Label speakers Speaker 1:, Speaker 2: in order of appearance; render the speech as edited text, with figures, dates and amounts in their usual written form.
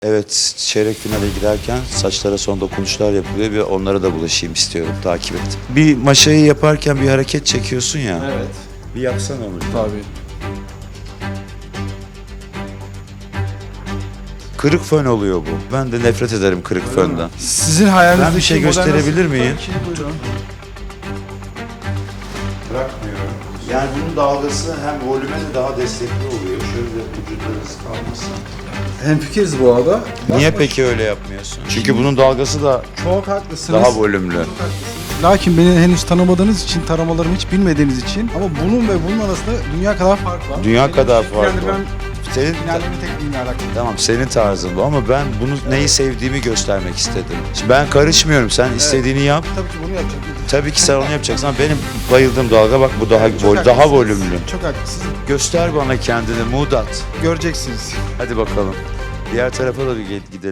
Speaker 1: Evet, çeyrek finale giderken saçlara son dokunuşlar yapılıyor ve onlara da bulaşayım istiyorum, takip et. Bir maşayı yaparken bir hareket çekiyorsun ya.
Speaker 2: Evet.
Speaker 1: Bir yapsana onu.
Speaker 2: Tabii.
Speaker 1: Kırık fön oluyor bu. Ben de nefret ederim kırık fönden.
Speaker 2: Sizin hayalinizdeki
Speaker 1: Ben bir şey
Speaker 2: model
Speaker 1: gösterebilir
Speaker 2: nasıl?
Speaker 1: miyim?
Speaker 2: Tabii ki, buyurun.
Speaker 1: Bırakmıyorum. Yani bunun dalgası hem volüme de daha destekli oluyor. Şöyle vücutlarınız kalmasın.
Speaker 2: Hemfikiriz bu arada.
Speaker 1: Niye peki öyle yapmıyorsun? Çünkü bunun dalgası da
Speaker 2: Çok haklısınız.
Speaker 1: daha volümlü.
Speaker 2: Lakin beni henüz tanımadığınız için, taramalarımı hiç bilmediğiniz için ama bunun ve bunun arasında dünya kadar fark var.
Speaker 1: Dünya kadar fark
Speaker 2: yani
Speaker 1: var. Senin,
Speaker 2: Finallerin tekniğiyle alakalı.
Speaker 1: tamam senin tarzın bu ama ben bunu neyi sevdiğimi göstermek istedim. Şimdi ben karışmıyorum. Sen istediğini yap.
Speaker 2: Tabii ki bunu yapacağım.
Speaker 1: Tabii ki sen onu yapacaksın ama benim bayıldığım dalga bak bu daha
Speaker 2: Çok
Speaker 1: daha
Speaker 2: haklısınız.
Speaker 1: volümlü.
Speaker 2: Çok haklısınız.
Speaker 1: Göster bana kendini Mudat.
Speaker 2: Göreceksiniz.
Speaker 1: Hadi bakalım. Diğer tarafa da bir gidelim.